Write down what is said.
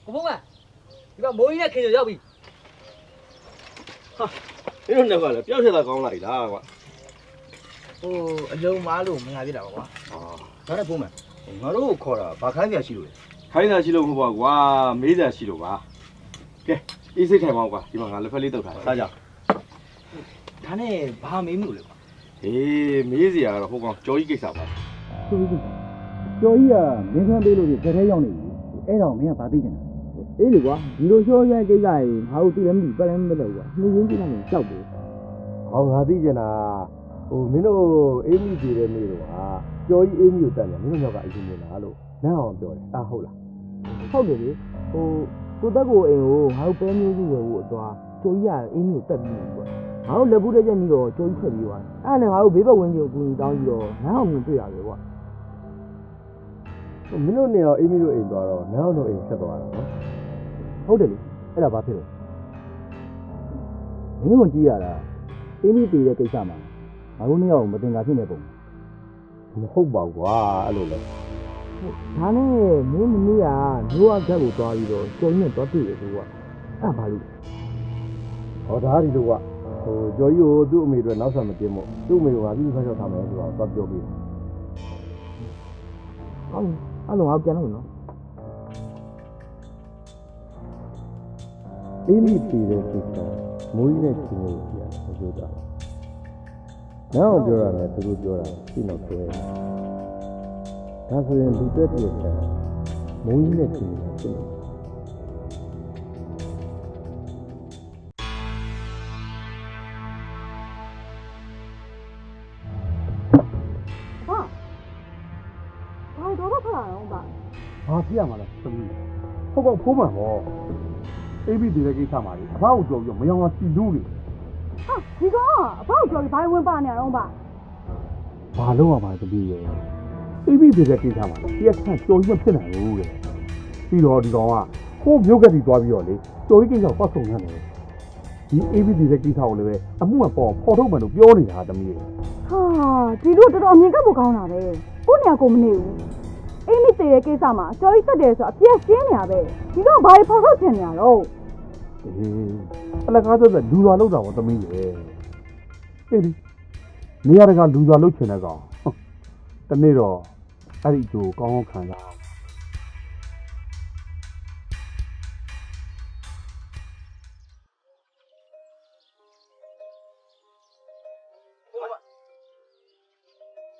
ဘုံကဒီမှာမိုးကြီးနဲ့ခင်ရရောက်ပြီဟာမင်းတို့နှစ်ကလည်းပျောက်ချက်သာကောင်းလိုက်လားကွာဟိုအလုံးမားလို့မငါပြတာပါကွာဒါနဲ့ဘုံမငါတို့ခေါ်တာဘာခိုင်းစရာရှိလို့လဲခိုင်းစရာရှိလို့မဟုတ်ပါကွာမေးစရာရှိလို့ပါကဲအေးစိတ်ထိုင်ပါဦးကွာဒီမှာငါလက်ဖက်လေးတုတ်ထားစားကြဒါနဲ့ဘာမေးမှုလဲကွာအေးမေးစရာကတော့ဟိုကောင်ကြော်ကြီးကိစ္စပါကျော်ကြီးကျော်ကြီးကမင်းခန်းပေးလို့ဒီဇက်ထဲရောက်နေပြီအဲ့တော့မင်းကဘာသိချင်တာအေးလေကွာဒီလိုရှောရဲကိစ္စကြီးငါတို့သိလည်းမသိပတ်လည်းမလုပ်ကွာနှင်းရင်းကြည့်လိုက်ရင်ကြောက်တယ်ဟောငါသိချင်တာဟိုမင်းတို့အေးမိသေးတဲ့နေ့တော့ဟာကြော်ကြီးအေးမိကိုတတ်တယ်မင်းတို့ယောက်ကအရင်မြင်လားလို့နန်းအောင်ပြောတယ်ဟုတ်လားဟုတ်တယ်လေဟိုကိုတက်ကိုအိမ်ကိုငါတို့ပဲမျိုးစုဝယ်ဖို့အသွားကျော်ကြီးကအေးမိကိုတက်ပြီးပြီကွာငါတို့လက်ဘူးတက်ချက်ပြီးတော့ကျော်ကြီးထွက်ပြီးသွားအဲ့ဒါနဲ့ငါတို့ဘေးဘက်ဝင်းကြီးကိုကူညီတောင်းပြီးတော့နန်းအောင်မြင်တွေ့ရတယ်ကွာမင်းတို့နေရောအေးမိတို့အိမ်သွားတော့နန်းအောင်တို့အိမ်ဆက်သွားတာနော်ဟုတ်တယ်လေအဲ့ဒါဘာဖြစ်လဲမင်းတို့ကြည့်ရတာအေးမိတည်တဲ့ကိစ္စမှာငါတို့နှစ်ယောက်မတင်တာဖြစ်နေပုံမဟုတ်ပါဘူးကွာအဲ့လိုလဲဒါနဲ့မင်းမနေ့ကမျိုးအခက်ကိုသွားပြီးတော့ကျော်ကြီးနဲ့သွားတွေ့တယ်ကွာအဲ့ဘာလို့ဟောဒါဒီလိုကဟိုကျော်ကြီးကိုသူ့အမေတို့နောက်ဆက်မတင်မို့သူ့အမေကငါပြီးဆောက်ရှောက်ထားမယ်ဆိုတော့သွားပြောပြီးဟုတ်အဲ့လိုငါပြန်လို့နော်အေးမိပြည်တဲ့ကိစ္စမိုးကြီးနဲ့ချင်းလို့ပြရတယ်ပြောတာနောက်ပြောရတယ်သူတို့ပြောတာရှင်းတော့ပြောရတယ်ဒါဆိုရင်လူသက်ပြည့်တယ်မိုးကြီးနဲ့ချင်းလို့ဖြစ်တယ်ဘာဖြစ်ရမှာလဲသမီးဟုတ်ကောဖိုးမှန်ဟောအေးပြီးဒီတဲ့ကိစ္စမှာလေအဖေကိုကြော်ပြီးမယောင်အောင်စီလူးနေဟာဒီကောင်ကအဖေကိုကြော်ပြီးဘာဝင်ပါနေရအောင်ပါဘာလို့ရမှာသမီးရဲ့အေးပြီးဒီတဲ့ကိစ္စမှာလေဒီအခန့်ကြော်ပြီးမဖြစ်နိုင်ဘူးတဲ့ပြီးတော့ဒီကောင်ကခိုးမျိုးကတိသွားပြီးတော့လေကြော်ကြီးကိစ္စကိုပတ်ဆုံနေတယ်ဒီအေးပြီးဒီတဲ့ကိစ္စကိုလည်းပဲအမှုမှပေါ်ဖော်ထုတ်မှလို့ပြောနေတာသမီးရဲ့ဟာဒီလိုတော်တော်အမြင်ကပ်ဖို့ကောင်းတာပဲကိုနေရာကိုမနေဘူးအိမ်မိသေးတဲ့ကိစ္စမှာကြော်ကြီးတက်တယ်ဆိုအပြည့်ရှင်းနေရပဲဒီတော့ဘာဖော်ထုတ်ချင်နေရတော့အလကားသက်သက်လူသွားလောက်တာပေါ့သမီးရဲ့အေးဒီနေရာတကာလူသွားလောက်ချင်တဲ့ကောင်တနေ့တော့အဲ့ဒီအကျိုးကောင်းကောင်းခံစား